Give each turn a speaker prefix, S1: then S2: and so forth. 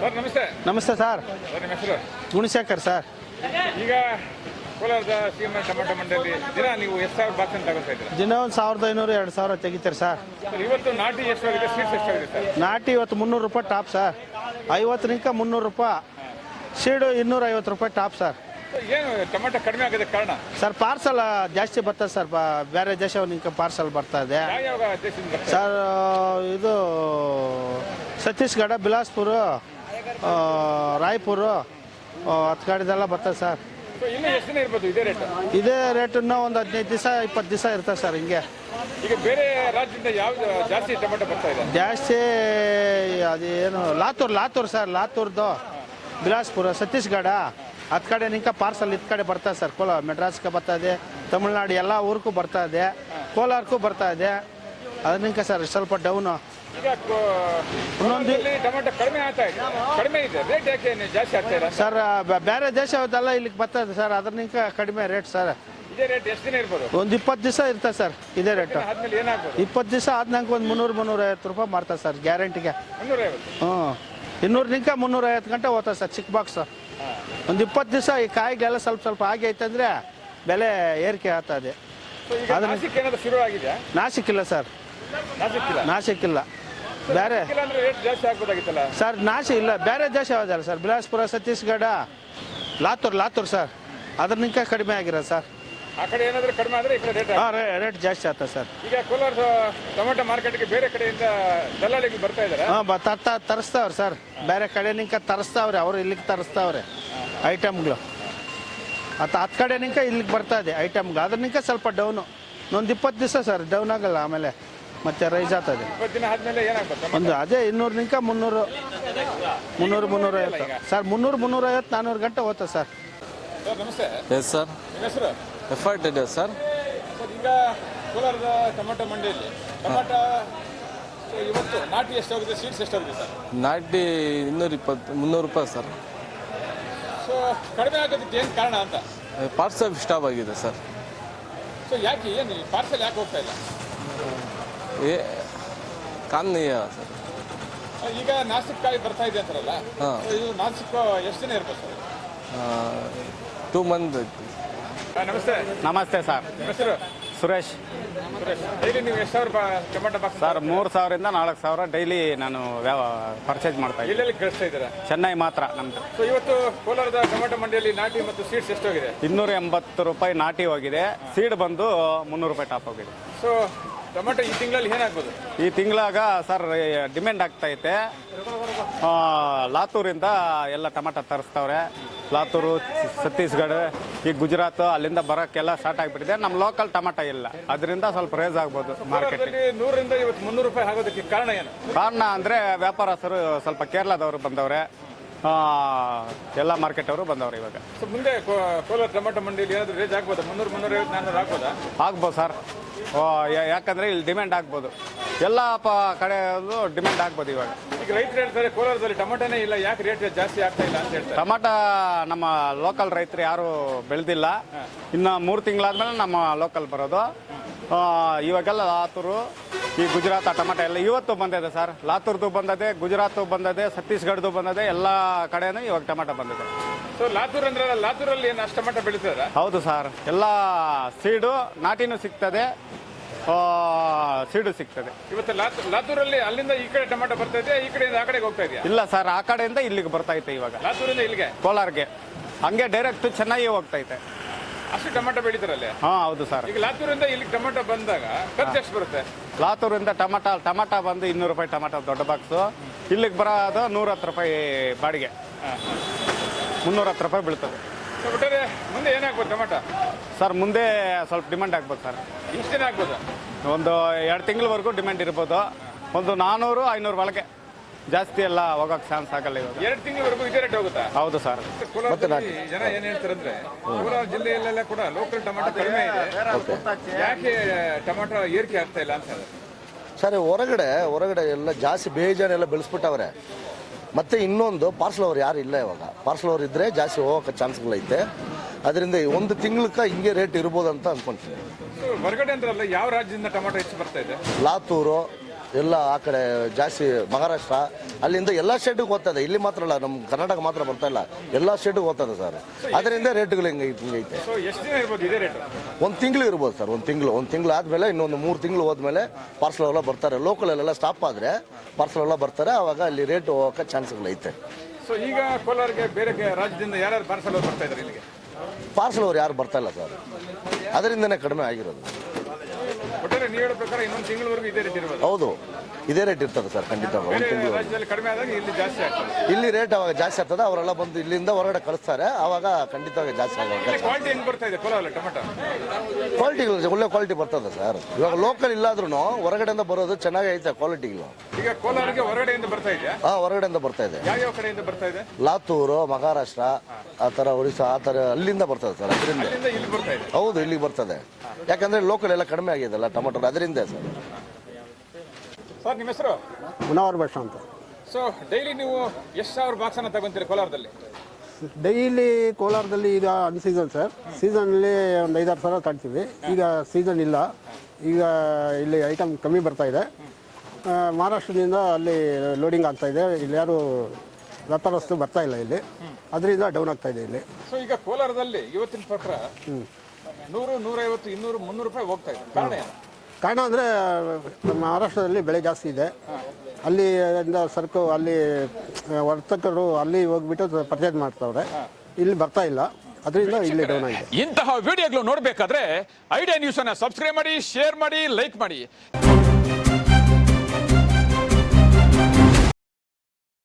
S1: Sir ನಮಸ್ತೆ.
S2: ನಮಸ್ತೆ sir.
S1: Sir ನಿಮ್ಮ ಹೆಸರು?
S2: ಗುಣಶೇಖರ್ ಸರ್.
S1: ಈಗ ಕೋಲಾರದ ಸಿಎಂ ಟೊಮೆಟೊ ಮಂಡಿಯಲ್ಲಿ ದಿನ ನೀವು ಎಷ್ಟು ಸಾವಿರ ಬಾಕ್ಸ್ ಅಂತ ತಗೊಳ್ತಾ ಇದ್ದೀರಾ?
S2: ದಿನ ಒಂದು 1500 2000 ತೆಗಿತಾರೆ ಸರ್.
S1: ಇವತ್ತು ನಾಟಿ ಎಷ್ಟಾಗಿದೆ, ಸೀಡ್ಸ್ ಎಷ್ಟಾಗಿದೆ ಸರ್?
S2: ನಾಟಿ ಇವತ್ತು 300 ರೂಪಾಯಿ ಟಾಪ್ ಸರ್. 50ರಿಂದ 300 ರೂಪಾಯಿ. ಸೀಡು 250 ರೂಪಾಯಿ ಟಾಪ್ ಸರ್.
S1: ಏನು ಟೊಮೆಟೊ ಕಡಿಮೆ ಆಗೋದಕ್ಕೆ ಕಾರಣ?
S2: ಸರ್ ಪಾರ್ಸಲ್ ಜಾಸ್ತಿ ಬರ್ತದೆ ಸರ್. ಬೇರೆ ದೇಶವನಿಗೆ ಪಾರ್ಸಲ್ ಬರ್ತಾ ಇದೆ
S1: ಯಾವ ದೇಶದಿಂದ ಬರ್ತದೆ
S2: ಸರ್. ಇದು ಛತ್ತೀಸ್ಗಢ, ಬಿಲಾಸ್ಪುರ, ರಾಯ್ಪುರ ಹತ್ತು ಕಡೆದೆಲ್ಲ ಬರ್ತದೆ ಸರ್.
S1: ಇನ್ನೂ ಎಷ್ಟು ದಿನ ಇರ್ಬೋದು ಇದೇ ರೇಟ್?
S2: ಇದೇ ರೇಟನ್ನು ಒಂದು 15 ದಿವಸ 20 ದಿವಸ ಇರ್ತದೆ ಸರ್. ಹಿಂಗೆ
S1: ಈಗ ಬೇರೆ ರಾಜ್ಯದಿಂದ ಯಾವ್ದು ಜಾಸ್ತಿ ಟೊಮೆಟೊ ಬರ್ತಾ ಇದೆ?
S2: ಜಾಸ್ತಿ ಅದೇನು ಲಾತೂರ್ ಸರ್. ಲಾತೂರ್ದು, ಬಿಲಾಸ್ಪುರ, ಛತ್ತೀಸ್ಗಢ ಹತ್ತು ಕಡೆ ನಿಂಕ ಪಾರ್ಸಲ್ ಇತ್ತು ಕಡೆ ಬರ್ತಾ ಸರ್. ಮೆಡ್ರಾಸ್ಗೆ ಬರ್ತಾ ಇದೆ, ತಮಿಳ್ನಾಡು ಎಲ್ಲ ಊರಿಗೂ ಬರ್ತಾ ಇದೆ, ಕೋಲಾರಕ್ಕೂ ಬರ್ತಾ ಇದೆ. ಅದನ್ನಿಂಕ ಸರ್ ಸ್ವಲ್ಪ ಡೌನು.
S1: ಈಗ ಇನ್ನೊಂದು ಟೊಮೆಟೊ ಕಡಿಮೆ ಆಗ್ತಾ ಇದೆ, ಕಡಿಮೆ ಇದೆ, ರೇಟ್ ಯಾಕೆ ಜಾಸ್ತಿ ಆಗ್ತಾ ಇಲ್ಲ
S2: ಸರ್? ಬೇರೆ ದೇಶದೆಲ್ಲ ಇಲ್ಲಿಗೆ ಬರ್ತದೆ ಸರ್. ಅದನ್ನಿಂಕ ಕಡಿಮೆ ರೇಟ್ ಸರ್.
S1: ಇದೇ ರೇಟ್ ಎಷ್ಟು ದಿನ ಇರ್ಬೋದು?
S2: ಒಂದು 20 ದಿವಸ ಇರ್ತದೆ ಸರ್ ಇದೇ ರೇಟು.
S1: ಆದ್ಮೇಲೆ ಏನಾಗ್ಬೋದು?
S2: 20 ದಿವಸ ಆದ್ನಂಗೆ ಒಂದು 300-350 ರೂಪಾಯಿ ಮಾಡ್ತಾರೆ ಸರ್ ಗ್ಯಾರಂಟಿಗೆ.
S1: 350?
S2: 200ರಿಂದ 350 ಗಂಟೆ ಹೋಗ್ತದೆ ಸರ್ ಚಿಕ್ಕ ಬಾಕ್ಸ್. ಒಂದು 20 ದಿವಸ ಈ ಕಾಯಿಗೆಲ್ಲ ಸ್ವಲ್ಪ ಆಗಿ ಐತಂದ್ರೆ ಬೆಲೆ ಏರಿಕೆ ಆಗ್ತದೆ.
S1: ನಾಸಿಕ್ ಏನಾದ್ರು ಶುರು ಆಗಿದೆಯಾ?
S2: ನಾಸಿಕ್ಕಿಲ್ಲ ಸರ್. ನಾಸಿಕ್ಕಿಲ್ಲ. ಬೇರೆ
S1: ರೇಟ್ ಜಾಸ್ತಿ ಆಗ್ಬೋದಾಗಿತ್ತಲ್ಲ
S2: ಸರ್. ನಾಸಿಕ್ ಇಲ್ಲ, ಬೇರೆ ದೇಶ ಯಾವುದಲ್ಲ ಸರ್. ಬಿಲಾಸ್ಪುರ, ಛತ್ತೀಸ್ಗಢ, ಲಾತೂರ್ ಸರ್. ಅದನ್ನಿಂಕ ಕಡಿಮೆ ಆಗಿರೋದು ಸರ್.
S1: ಆ ಕಡೆ ಏನಾದರೂ ಕಡಿಮೆ ಆದರೆ ಈ ಕಡೆ
S2: ರೇಟ್ ಜಾಸ್ತಿ ಆಗ್ತದೆ ಸರ್.
S1: ಈಗ ಕೋಲಾರ ಟೊಮೆಟೊ ಮಾರ್ಕೆಟ್ಗೆ ಬೇರೆ ಕಡೆಯಿಂದ ದಲ್ಲಾಳಿಗಳು ಬರ್ತಾ ಇದ್ದಾರೆ?
S2: ತರಿಸ್ತಾವ್ರೆ ಸರ್. ಬೇರೆ ಕಡೆ ನಿಂಕ ತರಿಸ್ತಾವ್ರೆ, ಅವರು ಇಲ್ಲಿಗೆ ತರಿಸ್ತಾವ್ರೆ ಐಟಮ್ಗಳು. ಹತ್ತು ಕಡೆ ನಿಂಕ ಇಲ್ಲಿಗೆ ಬರ್ತಾ ಇದೆ ಐಟಮ್ಗಳು. ಅದನ್ನಿಂಕ ಸ್ವಲ್ಪ ಡೌನು. ಒಂದು 20 ದಿವಸ ಸರ್ ಡೌನ್ ಆಗಲ್ಲ, ಆಮೇಲೆ ಮತ್ತೆ ರೈಸ್ ಆಗ್ತದೆ.
S1: 20 ದಿನ ಆದಮೇಲೆ ಏನಾಗ್ತದೆ?
S2: ಒಂದು ಅದೇ 200ರಿಂದ 300 350 ಸರ್. 300-350 400 ಗಂಟೆ ಹೋಗ್ತದೆ ಸರ್.
S1: ಸರ್ ನಮಸ್ತೆ.
S3: Yes sir.
S1: ನಿಮ್ಮ ಹೆಸರು?
S3: ಎಫರ್ಟ್ ಇದೆ ಸರ್.
S1: ಈಗ ಕೋಲಾರದ ಟೊಮೆಟೊ ಮಂಡಿಯಲ್ಲಿ ಟೊಮೆಟೊ ಇವತ್ತು ನಾಟಿ ಎಷ್ಟಾಗಿದೆ, ಸೀಡ್ಸ್ ಎಷ್ಟಾಗಿದೆ ಸರ್?
S3: ನಾಟಿ 220-300 ರೂಪಾಯಿ ಸರ್.
S1: ಸೊ ಕಡಿಮೆ ಆಗೋದಕ್ಕೆ ಏನು ಕಾರಣ ಅಂತ?
S3: ಪಾರ್ಸಲ್ ಸ್ಟಾಪ್ ಆಗಿದೆ ಸರ್.
S1: ಸೊ ಯಾಕೆ, ಏನು ಪಾರ್ಸಲ್ ಯಾಕೆ ಹೋಗ್ತಾ ಇಲ್ಲ?
S3: ಕಾರಣೀಯ ಸರ್.
S1: ಈಗ ನಾಸಿಕ್ ಕಾಯಿ ಬರ್ತಾ ಇದೆ ಅಂತಾರಲ್ಲ,
S3: ಹಾಂ.
S1: ಇದು ನಾಸಿಕ್ ಎಷ್ಟು ದಿನ ಇರ್ಬೋದು ಸರ್?
S3: 2 ಮಂತ್.
S1: ನಮಸ್ತೆ.
S2: ನಮಸ್ತೆ ಸರ್.
S1: ನಿಮ್ಮ ಹೆಸರು?
S2: ಸುರೇಶ್.
S1: ಡೈಲಿ ನೀವು ಎಷ್ಟು ಸಾವಿರ ಟೊಮೆಟೊ ಬಾಕ್ಸ್
S2: ಸರ್ 3000ರಿಂದ 4000 ಡೈಲಿ ನಾನು ಪರ್ಚೇಸ್ ಮಾಡ್ತಾ ಇದ್ದೀನಿ.
S1: ಎಲ್ಲೆಲ್ಲಿ ಕಳಿಸ್ತಾ ಇದ್ದೀರಾ?
S2: ಚೆನ್ನೈ ಮಾತ್ರ ನಮ್ದು.
S1: ಸೊ ಇವತ್ತು ಕೋಲಾರದ ಟೊಮೆಟೊ ಮಂಡಿಯಲ್ಲಿ ನಾಟಿ ಮತ್ತು ಸೀಡ್ಸ್ ಎಷ್ಟೋಗಿದೆ?
S2: 280 ರೂಪಾಯಿ ನಾಟಿ ಹೋಗಿದೆ. ಸೀಡ್ ಬಂದು 300 ರೂಪಾಯಿ ಟಾಪ್ ಹೋಗಿದೆ.
S1: ಸೊ ಟೊಮೆಟೊ ಈ ತಿಂಗಳಲ್ಲಿ ಏನಾಗ್ಬೋದು?
S2: ಈ ತಿಂಗಳಾಗ ಸರ್ ಡಿಮ್ಯಾಂಡ್ ಆಗ್ತೈತೆ. ಲಾತೂರಿಂದ ಎಲ್ಲ ಟೊಮೆಟೊ ತರಿಸ್ತವ್ರೆ. ಲಾತೂರು, ಛತ್ತೀಸ್ಗಢ, ಈ ಗುಜರಾತ್ ಅಲ್ಲಿಂದ ಬರೋಕ್ಕೆಲ್ಲ ಸ್ಟಾರ್ಟ್ ಆಗಿಬಿಟ್ಟಿದೆ. ನಮ್ಮ ಲೋಕಲ್ ಟೊಮೆಟೊ ಇಲ್ಲ, ಅದರಿಂದ ಸ್ವಲ್ಪ ರೇಸ್ ಆಗ್ಬೋದು ಮಾರ್ಕೆಟ್.
S1: 100ರಿಂದ ಇವತ್ತು 300 ರೂಪಾಯಿ ಆಗೋದಕ್ಕೆ ಕಾರಣ ಏನು?
S2: ಕಾರಣ ಅಂದರೆ ವ್ಯಾಪಾರಸ್ಥರು ಸ್ವಲ್ಪ ಕೇರಳದವರು ಬಂದವ್ರೆ, ಎಲ್ಲ ಮಾರ್ಕೆಟ್ ಅವರು ಬಂದವ್ರೆ ಇವಾಗ.
S1: ಸೊ ಮುಂದೆ ಕೋಲಾರ ಟೊಮೆಟೊ ಮಂಡಿಯಲ್ಲಿ ಏನಾದರೂ ರೇಜ್ ಆಗ್ಬೋದಾ? 300, 350, 400 ಆಗ್ಬೋದಾ?
S2: ಆಗ್ಬೋದು ಸರ್. ಯಾಕಂದರೆ ಇಲ್ಲಿ ಡಿಮ್ಯಾಂಡ್ ಆಗ್ಬೋದು. ಎಲ್ಲ ಕಡೆ ಡಿಮ್ಯಾಂಡ್ ಆಗ್ಬೋದು ಇವಾಗ.
S1: ಈಗ ರೈತರು ಹೇಳ್ತಾರೆ ಕೋಲಾರದಲ್ಲಿ ಟೊಮೆಟೊನೇ ಇಲ್ಲ, ಯಾಕೆ ರೇಟ್ ಜಾಸ್ತಿ ಆಗ್ತಾ ಇಲ್ಲ ಅಂತ ಹೇಳ್ತಾರೆ.
S2: ಟೊಮೆಟೊ ನಮ್ಮ ಲೋಕಲ್ ರೈತರು ಯಾರು ಬೆಳೆದಿಲ್ಲ. ಇನ್ನು 3 ತಿಂಗಳಾದ್ಮೇಲೆ ನಮ್ಮ ಲೋಕಲ್ ಬರೋದು. ಇವಾಗೆಲ್ಲ ಲಾತೂರು, ಈ ಗುಜರಾತ್ ಟೊಮೆಟೊ ಎಲ್ಲ ಇವತ್ತು ಬಂದಿದೆ ಸರ್. ಲಾತೂರ್ದು ಬಂದದೆ, ಗುಜರಾತ್ ಬಂದದೆ, ಛತ್ತೀಸ್ಗಢದ್ದು ಬಂದದೆ, ಎಲ್ಲ ಕಡೆನೂ ಇವಾಗ ಟೊಮೆಟೊ ಬಂದಿದೆ.
S1: ಸೊ ಲಾತೂರ್ ಅಂದ್ರೆ ಲಾತೂರಲ್ಲಿ ಏನು ಅಷ್ಟು ಟೊಮೆಟೊ ಬೆಳೀತದ?
S2: ಹೌದು ಸರ್. ಎಲ್ಲ ಸೀಡು ನಾಟಿನೂ ಸಿಗ್ತದೆ, ಸೀಡು ಸಿಗ್ತದೆ.
S1: ಇವತ್ತು ಲಾತೂರಲ್ಲಿ ಅಲ್ಲಿಂದ ಈ ಕಡೆ ಟೊಮೆಟೊ ಬರ್ತಾ ಇದೆ, ಈ ಕಡೆಯಿಂದ ಆ ಕಡೆಗೆ ಹೋಗ್ತಾ ಇದೆಯಾ?
S2: ಇಲ್ಲ ಸರ್, ಆ ಕಡೆಯಿಂದ ಇಲ್ಲಿಗೆ ಬರ್ತೈತೆ ಇವಾಗ.
S1: ಲಾತೂರಿಂದ ಇಲ್ಲಿಗೆ,
S2: ಕೋಲಾರ್ಗೆ ಹಂಗೆ ಡೈರೆಕ್ಟ್ ಚೆನ್ನಾಗಿ ಹೋಗ್ತೈತೆ.
S1: ಅಷ್ಟು ಟೊಮೆಟೊ ಬೆಳೀತಾರಲ್ಲೇ?
S2: ಹಾಂ ಹೌದು ಸರ್.
S1: ಈಗ ಲಾತೂರಿಂದ ಇಲ್ಲಿಗೆ ಟೊಮೆಟೊ ಬಂದಾಗ ಖರ್ಚು ಎಷ್ಟು ಬರುತ್ತೆ?
S2: ಲಾತೂರಿಂದ ಟೊಮೆಟೊ ಬಂದು 200 ರೂಪಾಯಿ ಟೊಮೆಟೊ ದೊಡ್ಡ ಬಾಕ್ಸು. ಇಲ್ಲಿಗೆ ಬರೋದು 110 ರೂಪಾಯಿ ಬಾಡಿಗೆ. 310 ರೂಪಾಯಿ ಬೀಳ್ತದೆ.
S1: ಒಟ್ಟಾರೆ ಮುಂದೆ ಏನಾಗ್ಬೋದು ಟೊಮೆಟೊ
S2: ಸರ್? ಮುಂದೆ ಸ್ವಲ್ಪ ಡಿಮ್ಯಾಂಡ್ ಆಗ್ಬೋದು ಸರ್.
S1: ಎಷ್ಟು ದಿನ ಆಗ್ಬೋದು?
S2: ಒಂದು 2 ತಿಂಗಳವರೆಗೂ ಡಿಮ್ಯಾಂಡ್ ಇರ್ಬೋದು. ಒಂದು 400-500 ಒಳಗೆ, ಜಾಸ್ತಿ ಎಲ್ಲ ಹೋಗೋಕೆ ಚಾನ್ಸ್ ಆಗಲ್ಲ ಇವಾಗ.
S1: 2 ತಿಂಗಳವರೆಗೂ ಇದೇ ರೇಟ್ ಹೋಗುತ್ತಾ?
S2: ಹೌದು ಸರ್.
S1: ಕೋಲಾರದಲ್ಲಿ ಜನ ಏನ್ ಹೇಳ್ತಾರಂದ್ರೆ ಕೋಲಾರ ಜಿಲ್ಲೆಯಲ್ಲೆಲ್ಲ ಕೂಡ ಲೋಕಲ್ ಟೊಮೆಟೊ ಕಡಿಮೆ ಇದೆ, ಯಾಕೆ ಟೊಮೆಟೊ ಏರಿಕೆ ಆಗ್ತಾ ಇಲ್ಲ ಅಂತ ಹೇಳಿದ್ರೆ
S4: ಸರ್, ಹೊರಗಡೆ ಎಲ್ಲ ಜಾಸ್ತಿ ಬೇಜಾನೆಲ್ಲ ಬೆಳೆಸ್ಬಿಟ್ಟವ್ರೆ. ಮತ್ತು ಇನ್ನೊಂದು ಪಾರ್ಸಲ್ ಅವ್ರು ಯಾರು ಇಲ್ಲ ಇವಾಗ. ಪಾರ್ಸಲ್ ಅವ್ರು ಇದ್ದರೆ ಜಾಸ್ತಿ ಹೋಗೋಕೆ ಚಾನ್ಸ್ಗಳೈತೆ. ಅದರಿಂದ 1 ತಿಂಗಳಕ್ಕೆ ಹಿಂಗೆ ರೇಟ್ ಇರ್ಬೋದು ಅಂತ ಅಂದ್ಕೊಳ್ತೀನಿ.
S1: ಹೊರಗಡೆ ಅಂದ್ರಲ್ಲ, ಯಾವ ರಾಜ್ಯದಿಂದ ಟೊಮೆಟೊ ಹೆಚ್ಚು ಬರ್ತಾ ಇದೆ?
S4: ಲಾತೂರು, ಎಲ್ಲ ಆ ಕಡೆ ಜಾಸ್ತಿ ಮಹಾರಾಷ್ಟ್ರ ಅಲ್ಲಿಂದ ಎಲ್ಲ ಸ್ಟೇಟಿಗೆ ಹೋಗ್ತದೆ, ಇಲ್ಲಿ ಮಾತ್ರ ಅಲ್ಲ, ನಮ್ಮ ಕರ್ನಾಟಕ ಮಾತ್ರ ಬರ್ತಾ ಇಲ್ಲ, ಎಲ್ಲ ಸ್ಟೇಟಿಗೆ ಹೋಗ್ತದೆ ಸರ್. ಅದರಿಂದ ರೇಟ್ಗಳು ಹಿಂಗೈತೆ.
S1: ಸೊ ಎಷ್ಟು ದಿನ ಇರ್ಬೋದು ಇದೇ ರೇಟ್?
S4: ಒಂದು ತಿಂಗಳು ಇರ್ಬೋದು ಸರ್, ಒಂದು ತಿಂಗಳು ಆದಮೇಲೆ ಇನ್ನೊಂದು 3 ತಿಂಗಳು ಹೋದ್ಮೇಲೆ ಪಾರ್ಸಲ್ ಎಲ್ಲ ಬರ್ತಾರೆ. ಲೋಕಲಲ್ಲೆಲ್ಲ ಸ್ಟಾಪ್ ಆದರೆ ಪಾರ್ಸಲ್ ಎಲ್ಲ ಬರ್ತಾರೆ, ಆವಾಗ ಅಲ್ಲಿ ರೇಟ್ ಹೋಗೋಕೆ ಚಾನ್ಸ್ಗಳೈತೆ.
S1: ಸೊ ಈಗ ಕೋಲಾರಿಗೆ ಬೇರೆ ರಾಜ್ಯದಿಂದ ಯಾರ್ಯಾರು ಪಾರ್ಸಲ್ ಬರ್ತಾ ಇದ್ದಾರೆ ಇಲ್ಲಿಗೆ?
S4: ಪಾರ್ಸಲ್ ಅವ್ರು ಯಾರು ಬರ್ತಾ ಇಲ್ಲ ಸರ್, ಅದರಿಂದನೇ ಕಡಿಮೆ ಆಗಿರೋದು.
S1: ಒಟ್ಟಾರೆ ನೀವು ಹೇಳೋ ಪ್ರಕಾರ ಇನ್ನೊಂದು ತಿಂಗಳವರೆಗೂ ಇದೇ ರೇಟ್ ಇರ್ಬೋದು?
S4: ಹೌದು, ಇದೇ ರೇಟ್ ಇರ್ತದೆ ಸರ್, ಖಂಡಿತ. ಒಂದು ತಿಂಗಳು
S1: ರಾಜ್ಯದಲ್ಲಿ ಕಡಿಮೆ ಆದಾಗ ಇಲ್ಲಿ ಜಾಸ್ತಿ ಆಗ್ತದೆ.
S4: ಇಲ್ಲಿ ರೇಟ್ ಅವಾಗ ಜಾಸ್ತಿ ಆಗ್ತದೆ, ಅವರೆಲ್ಲ ಬಂದು ಇಲ್ಲಿಂದ ಹೊರಗಡೆ ಕಳಿಸ್ತಾರೆ, ಆವಾಗ ಖಂಡಿತವಾಗಿ ಜಾಸ್ತಿ ಆಗುತ್ತೆ.
S1: ಕ್ವಾಲಿಟಿ ಹೆಂಗ್ ಬರ್ತಾ ಇದೆ ಕೋಲಾರಲ್ಲಿ ಟೊಮೆಟೊ?
S4: ಕ್ವಾಲಿಟಿಗಳು ಒಳ್ಳೆ ಕ್ವಾಲಿಟಿ ಬರ್ತದೆ ಸರ್. ಇವಾಗ ಲೋಕಲ್ ಇಲ್ಲಾದ್ರೂ ಹೊರಗಡೆಯಿಂದ ಬರೋದು ಚೆನ್ನಾಗಿ ಐತೆ ಕ್ವಾಲಿಟಿಗಳು.
S1: ಈಗ ಕೋಲಾರಿಗೆ ಹೊರಗಡೆಯಿಂದ ಬರ್ತಾ ಇದೆಯಾ?
S4: ಹೊರಗಡೆಯಿಂದ ಬರ್ತಾ ಇದೆ.
S1: ಯಾವ್ಯಾವ ಕಡೆಯಿಂದ ಬರ್ತಾ ಇದೆ?
S4: ಲಾತೂರು, ಮಹಾರಾಷ್ಟ್ರ, ಆ ಥರ ಒಡಿಶಾ, ಆ ಥರ ಅಲ್ಲಿಂದ ಬರ್ತದೆ ಸರ್. ಅದರಿಂದ
S1: ಇಲ್ಲಿ ಬರ್ತಾ ಇದೆ.
S4: ಹೌದು, ಇಲ್ಲಿಗೆ ಬರ್ತದೆ. ಯಾಕಂದ್ರೆ ಲೋಕಲ್ ಎಲ್ಲ ಕಡಿಮೆ ಆಗಿದೆಲ್ಲ ಟೊಮೆಟೊ, ಅದರಿಂದ ಸರ್.
S1: ಸರ್ ನಿಮ್ಮ ಹೆಸರು?
S5: ಮುನವರ್ ಭಾಷಾ ಅಂತ.
S1: ಸೊ ಡೈಲಿ ನೀವು ಎಷ್ಟು ಸಾವಿರ ಬಾಕ್ಸ್ ಅನ್ನ ತಗೊಂತೀರಿ ಕೋಲಾರದಲ್ಲಿ?
S5: ಡೈಲಿ ಕೋಲಾರದಲ್ಲಿ ಈಗ ಅನ್ಸೀಸನ್ ಸರ್, ಸೀಸನಲ್ಲಿ ಒಂದು 5-6 ಸಾವಿರ ತರ್ತೀವಿ. ಈಗ ಸೀಸನ್ ಇಲ್ಲ, ಈಗ ಇಲ್ಲಿ ಐಟಮ್ ಕಮ್ಮಿ ಬರ್ತಾ ಇದೆ. ಮಹಾರಾಷ್ಟ್ರದಿಂದ ಅಲ್ಲಿ ಲೋಡಿಂಗ್ ಆಗ್ತಾ ಇದೆ, ಇಲ್ಲಿ ಯಾರು ವ್ಯಾಪಾರಸ್ಥರು ಬರ್ತಾ ಇಲ್ಲ ಇಲ್ಲಿ, ಅದರಿಂದ ಡೌನ್ ಆಗ್ತಾ ಇದೆ ಇಲ್ಲಿ.
S1: ಸೊ ಈಗ ಕೋಲಾರದಲ್ಲಿ ಇವತ್ತಿನ ಪ್ರಕಾರ 100, 150, 200, 300 ರೂಪಾಯಿ ಹೋಗ್ತಾ ಇದೆ. ಕಾರಣ ಏನು?
S5: ಕಾರಣ ಅಂದರೆ ಮಹಾರಾಷ್ಟ್ರದಲ್ಲಿ ಬೆಳೆ ಜಾಸ್ತಿ ಇದೆ, ಅಲ್ಲಿ ಸರಕು ಅಲ್ಲಿ ವರ್ತಕರು ಅಲ್ಲಿ ಹೋಗ್ಬಿಟ್ಟು ಪರ್ಚೇಸ್ ಮಾಡ್ತಾವ್ರೆ, ಇಲ್ಲಿ ಬರ್ತಾ ಇಲ್ಲ, ಅದರಿಂದ ಇಲ್ಲಿ ಡೌನ್ ಆಗಿದೆ.
S1: ಇಂತಹ ವಿಡಿಯೋಗಳು ನೋಡಬೇಕಾದ್ರೆ ಐಡಿಯಾ ನ್ಯೂಸ್ ಅನ್ನ ಸಬ್ಸ್ಕ್ರೈಬ್ ಮಾಡಿ, ಶೇರ್ ಮಾಡಿ, ಲೈಕ್ ಮಾಡಿ.